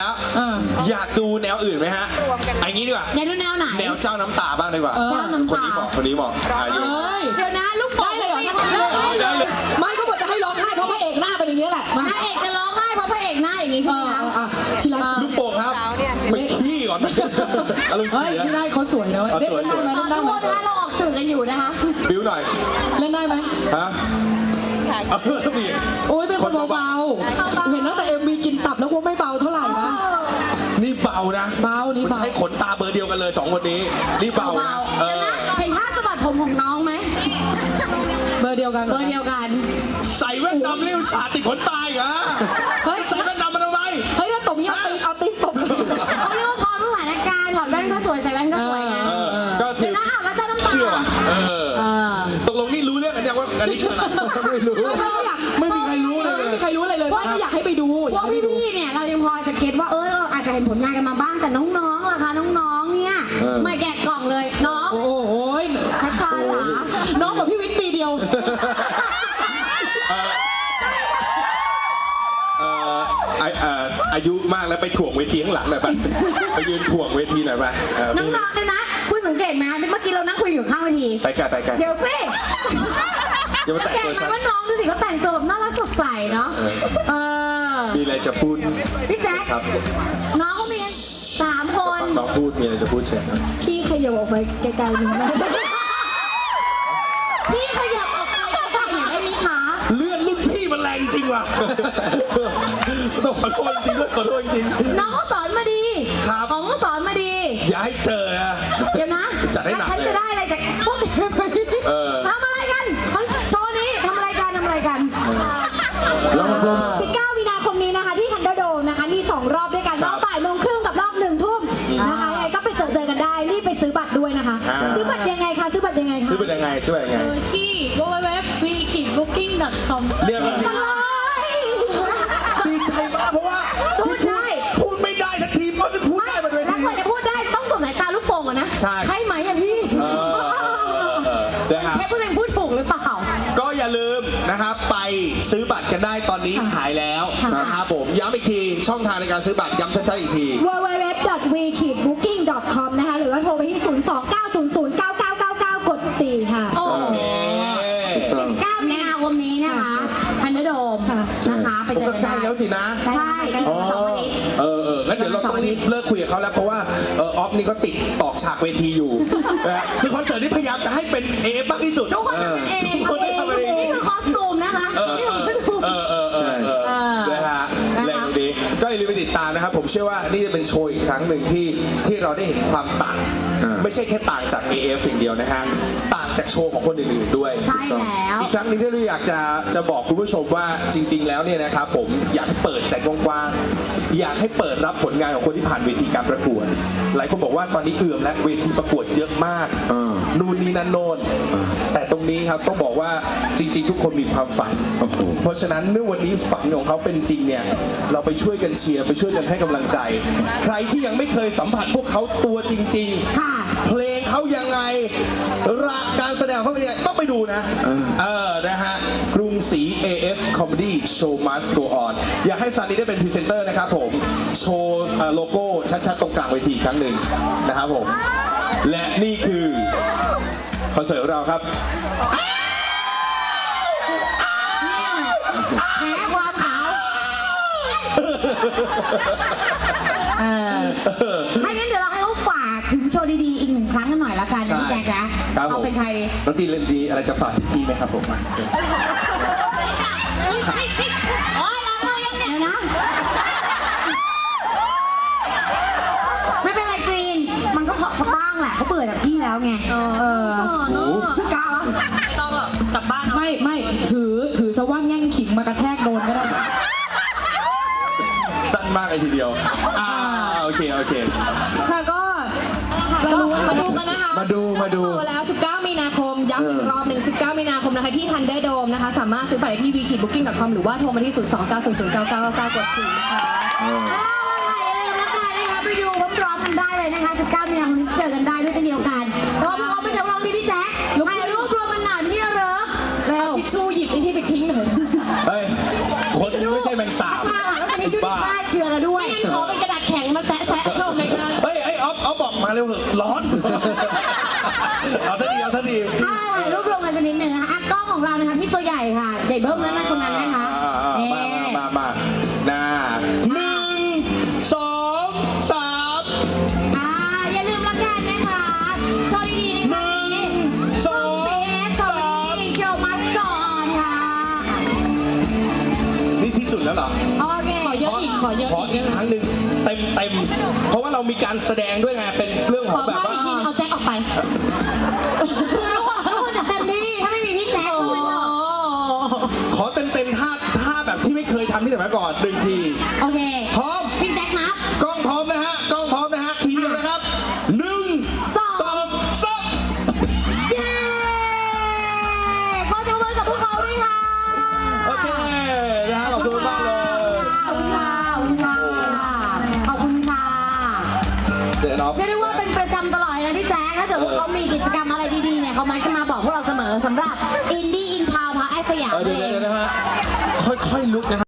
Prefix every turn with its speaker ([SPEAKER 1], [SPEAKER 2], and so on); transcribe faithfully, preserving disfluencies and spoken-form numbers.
[SPEAKER 1] อยากดูแนวอื่นไหมฮะไอ้งี้ดีกว่า
[SPEAKER 2] อยากดูแนวไหน
[SPEAKER 1] แนวเจ้าน้ำตาบ้างดีกว่าคนนี้เหมาะคนนี้เหมาะอายุ
[SPEAKER 2] เดี๋ยวนะลูกได้เลยเหรอ
[SPEAKER 3] ไม่ก็บอกจะให้ร้องไห้เพราะพระเอกหน้าเป็นอย่างนี้แหละ
[SPEAKER 2] พระเอกจะร้องไห้เพราะพระเอกหน้าอย่างนี้ใช่ไหมคะ
[SPEAKER 3] ชิลา
[SPEAKER 1] ลูกโป่งครับไปขี้ก่อนอารมณ์เสีย
[SPEAKER 3] ที่ได้เขาสวยนะเล่นได้ไหม
[SPEAKER 2] ตอนทุกคนนะเราออกสื่อกันอยู่นะคะ
[SPEAKER 1] บิ้วหน่อย
[SPEAKER 3] เล่นได้ไหม
[SPEAKER 1] ฮะ
[SPEAKER 3] โอ้ยเป็นคนเบาๆเห็นตั้งแต่เอ็มวีกินตับแล้วว่าไม่เบาเท่าไหร่นะ
[SPEAKER 1] นี่เบานะ
[SPEAKER 3] เบานี่
[SPEAKER 1] มันใช้ขนตาเบอร์เดียวกันเลยสองคนนี้นี่เบานะ
[SPEAKER 2] เห็นท่าสะบัดผมของน้องไหม
[SPEAKER 3] เบอร์เดียวกัน
[SPEAKER 2] เบอร์เดียวกัน
[SPEAKER 1] ใส่แว่นดำเรียกสาติดขนตาเหรอเฮ้ยใส่แว่นดำมาทำไม
[SPEAKER 3] เฮ้ยถ้าตบนี้เอาตีเอาตีตบ
[SPEAKER 2] เขาเรียกว่าพร้อมสถานการณ์ถอดแว่นก็สวยใส่แว่นก็สวยไง
[SPEAKER 1] ก็ถือ
[SPEAKER 2] นะอ้าวแล้วเจ้าน้ำตา
[SPEAKER 1] ตกลงนี่รู้เรื่องกันยังว่าอันนี้คืออะไรไม่รู้
[SPEAKER 3] ไม่อยากไม่มีใครรู้เลยไม่มีใครรู้อะไรเลยว่าอยากให้ไปดู
[SPEAKER 2] พวกพี่ๆเนี่ยเรายังพอจะคิดว่าเออเราอาจจะเห็นผลงานกันมาบ้างแต่น้องๆล่ะคะน้องๆเนี่ยไม่แกะกล่องเลยน้อง
[SPEAKER 3] โอ้ย
[SPEAKER 2] ทัชชาจ๋า
[SPEAKER 3] น้องกับพี่วิทย์ปีเดียว
[SPEAKER 1] อายุมากแล้วไปถ่วงเวทีข้างหลังหน่อยไปไปยืนถ่วงเวทีหน่อยไป
[SPEAKER 2] น้องๆเลยนะคุณสังเกตไหมเมื่อกี้เรานั่งคุยอยู่ข้างเวที
[SPEAKER 1] ไปไกลไปไกล
[SPEAKER 2] เดี๋ยวสิสังเกตไหมว่าน้องดูสิเขาแต่งตัวแบบน่ารักสดใสเนาะเออ
[SPEAKER 1] มีอะไรจะพูด
[SPEAKER 2] พี่แจ๊คน้องเขามีสามคน
[SPEAKER 1] น้องพูดมีอะไรจะพูดเชิญ
[SPEAKER 2] พี่ขยับออกไปไกลๆหนึ่งพี่ขยับออกไปไกลๆเนี่ยได้มีขา
[SPEAKER 1] เลื่อนรุ่นพี่มันแรงจริงว่ะต้องขอโทษจริงด้วยขอโทษจริง
[SPEAKER 2] น้องเขาสอนมาดีของเขาสอนมาดี
[SPEAKER 1] อย่าให้เจออะ
[SPEAKER 2] เดี๋ยวนะ
[SPEAKER 1] จัดให้หนัก
[SPEAKER 2] ฉันจะได้อะไรจากพวกทำอะไรกันโชว์นี้ทำอะไรกันทำอะไรกันสิบเก้ามีนาคมนี้นะคะที่ทันเดอร์โดมนะคะมีสองรอบด้วยกันรอบบ่ายโมงครึ่งกับรอบหนึ่งทุ่มนะคะยังไงก็ไปเจอเจอกันได้รีบไปซื้อบัตรด้วยนะคะซื้อบัตรยังไงคะซื้อบัตรยังไงคะ
[SPEAKER 1] ซื้อบัตรยังไงซื้อบัตรยังไง
[SPEAKER 2] ที่ ดับเบิลยู ดับเบิลยู ดับเบิลยู ดอท วีคิดบุ๊กิ้ง ดอท คอม
[SPEAKER 1] เรียกมันดีใจมากเพราะว่าพูดได้พูดไม่ได้ทันทีเพราะจะพูดได้มาด้วย
[SPEAKER 2] แล้วกว่าจะพูดได้ต้องสวมสายตาลูกโป่งก่อนนะ
[SPEAKER 1] ใช่
[SPEAKER 2] ใช่ไหมอะพี่เชฟพูดเองพูดถูกหรือเปล่า
[SPEAKER 1] ก็อย่าลืมนะครับไปซื้อบัตรกันได้ตอนนี้ขายแล้วนะครับผมย้ำอีกทีช่องทางในการซื้อบัตรย้ำชัดๆอีกที
[SPEAKER 2] ดับเบิลยู ดับเบิลยู ดับเบิลยู ดอท วี คิดบุ๊กิ้ง ดอท คอม นะคะหรือว่าโทรไปที่ศูนย์ สอง เก้า ศูนย์ ศูนย์ เก้า เก้า เก้า เก้า กด สี่ ค่ะโอเคสิบเก้ามีนาคมนี้นะคะทันเดอร์โดมนะคะไปเจอกันได้
[SPEAKER 1] แล้วสินะ
[SPEAKER 2] ใช่กันสองอาทิตย์
[SPEAKER 1] เออเอองั้นเดี๋ยวเราต้องรีบเลิกคุยกับเขาแล้วเพราะว่าเออออฟนี่ก็ติดตอกฉากเวทีอยู่นะคือคอนเสิร์ตนี้พยายามจะให้เป็นเอฟมากที่สุด
[SPEAKER 2] ทุกคนทำเป็นเองทำเองนี่คือคอสตูมนะคะ
[SPEAKER 1] เออเออเออเออนะฮะแรงดีก็อย่าลืมไปติดตามนะครับผมเชื่อว่านี่จะเป็นโชว์อีกครั้งหนึ่งที่ที่เราได้เห็นความต่างไม่ใช่แค่ต่างจาก เอ เอฟ สิ่งเดียวนะฮะต่างจากโชว์ของคนอื่นๆด้วย
[SPEAKER 2] ใช่แล้ว
[SPEAKER 1] อีกครั้งนึงที่เราอยากจะจะบอกคุณผู้ชมว่าจริงๆแล้วเนี่ยนะครับผมอยากให้เปิดใจกว้างๆอยากให้เปิดรับผลงานของคนที่ผ่านเวทีการประกวดหลายคนบอกว่าตอนนี้เอื่อมและเวทีประกวดเยอะมากนู่นนี่นั่นโน่นแต่ตรงนี้ครับต้องบอกว่าจริงๆทุกคนมีความฝันเพราะฉะนั้นเมื่อวันนี้ฝันของเขาเป็นจริงเนี่ยเราไปช่วยกันเชียร์ไปช่วยกันให้กำลังใจใครที่ยังไม่เคยสัมผัสพวกเขาตัวจริงๆเพลงเขายังไงรักการแสดงเขาเป็นยังไงต้องไปดูนะเออนะฮะกรุงศรี เอ เอฟ Comedy Show Must Go On อยากให้ซันนี่ได้เป็นพรีเซนเตอร์นะครับผมโชว์โลโก้ชัดๆตรงกลางเวทีครั้งหนึ่งนะครับผมและนี่คือคอนเสิร์ตของเราครับ
[SPEAKER 2] แพ้ความขาวไม่งั้นเดี๋ยวเราให้เขาฝากถึงโชว์ดีๆอีกหนึ่งครั้งกันหน่อยละกันนะแจ๊คนะเอาเป็นใครดี
[SPEAKER 1] น้องตีเล่นดีอะไรจะฝากพี่ไหมครับผมมา
[SPEAKER 2] โอ้ยล้างมือยังเนี่ยนะไม่เป็นไรกรีนมันก็พอบ้างแหละเขาเบื่อจากพี่แล้วไงเออกล้าวะไม่ต้องหรอกกลับบ้าน
[SPEAKER 3] ไม่ไม่ถือถือซะว่าแง่งขิงมากระแทกโดนก็ได้
[SPEAKER 1] สั้นมากเลยทีเดียวอ่าโอเคโอเค
[SPEAKER 4] ค่ะก็ก็มาดูกันนะคะ
[SPEAKER 1] มาดูมาดู
[SPEAKER 4] แล้วสิบเก้ามีนาคมย้ำอีกรอบหนึ่งสิบเก้ามีนาคมนะคะที่ Thunder Dome นะคะสามารถซื้อบัตรได้ที่ วี คิดบุ๊กิ้ง ดอท คอม หรือว่าโทรมาที่ ศูนย์ สอง เก้า ศูนย์ ศูนย์ เก้า เก้า เก้า กด สี่ ค่ะ
[SPEAKER 2] ไปดูพร้อมๆกันได้เลยนะคะสิบเก้ามีนาคมนี้เจอกันได้ด้วยเช่นเดียวกันแต่ว่าพวกเราไม่จะลองที่พี่แจ๊คถ่ายรูปรวมกันหน่อยเป็นที่ระลึกเร็ว
[SPEAKER 3] ทิชชู่หยิบไอ้ที่ไปทิ้งหน่อย
[SPEAKER 1] เฮ้ยคนไม่ใช่แมงสาบ
[SPEAKER 2] ใช่ค่ะแล้วเป็นทิชชู่ที่ฆ่าเชื้อแล้วด้วย
[SPEAKER 3] ขอเป็นกระดาษ
[SPEAKER 1] ร็วเถอะร้อน เอาท่าดีเอาท่าดี
[SPEAKER 2] อ่าถ่ายรูปรวมกันสักนิดหนึ่งนะคะอ่ะกล้องของเรานะคะพี่ตัวใหญ่ค่ะใหญ่เบิ้มนั่นนะคนนั้นนะคะ
[SPEAKER 1] อ่าอ่า
[SPEAKER 2] เอ๊
[SPEAKER 1] มามามาหน้าหนึ่งสองสาม
[SPEAKER 2] อ่าอย่าลืมละกันนะคะโชว์ดีๆใน
[SPEAKER 1] ห
[SPEAKER 2] วัน
[SPEAKER 1] นึ่ง
[SPEAKER 2] นี้
[SPEAKER 1] สอง
[SPEAKER 2] ซีเอฟคอมเมดี้โชว์มัสก่อนค่ะ
[SPEAKER 1] นี่ที่สุดแล้วเหรอ
[SPEAKER 2] โอเค
[SPEAKER 3] ขอเยอะอีกขอเยอะ
[SPEAKER 1] ขอ
[SPEAKER 3] อีก
[SPEAKER 1] อีกครั้งหนึ่งเต็มเต็มเพราะว่าเรามีการแสดงด้วยไงเป็นเรื่องข
[SPEAKER 2] ข
[SPEAKER 1] อ
[SPEAKER 2] อง
[SPEAKER 1] แบบ
[SPEAKER 2] ภาพ
[SPEAKER 1] ว่า
[SPEAKER 2] อีกทีเอาแจ็คออกไปคือทุกคนทุกคนจะเต็มที่ถ้าไม่มีพี่แจ็คก็ไม่หรอก
[SPEAKER 1] ขอเต็มเต็มท่าท่าแบบที่ไม่เคยทำที่ไหนมาก่อนหนึ่งที
[SPEAKER 2] โอเค
[SPEAKER 1] พร้อม
[SPEAKER 2] พี่แจ็คนับ
[SPEAKER 1] กล้องพร้อมนะฮะกล้องพร้อมนะฮะทีเดียวนะครับหนึ่ง
[SPEAKER 2] สอง
[SPEAKER 1] สองสาม
[SPEAKER 2] เย้ขอจับมือกับพวกเขาด้วยค่ะ
[SPEAKER 1] โอเคนะฮะขอบคุณมากเลย
[SPEAKER 2] ขอบคุณค่ะขอบคุณค่ะขอบคุณค่ะ
[SPEAKER 1] เดี๋ยวน้อง
[SPEAKER 2] เรียกได้ว่าเป็นประจำตลอดเลยนะพี่แจ๊คถ้าเกิดว่าเขามีกิจกรรมอะไรดีๆเนี่ยเขามักจะมาบอกพวกเราเสมอสำหรับอินดี้อินทาวน์พาร์คไอสยาม
[SPEAKER 1] เออ
[SPEAKER 2] นั่
[SPEAKER 1] เดี๋ยวน
[SPEAKER 2] เอง
[SPEAKER 1] เดี๋ยวนะฮะค่อยๆลุกนะฮะ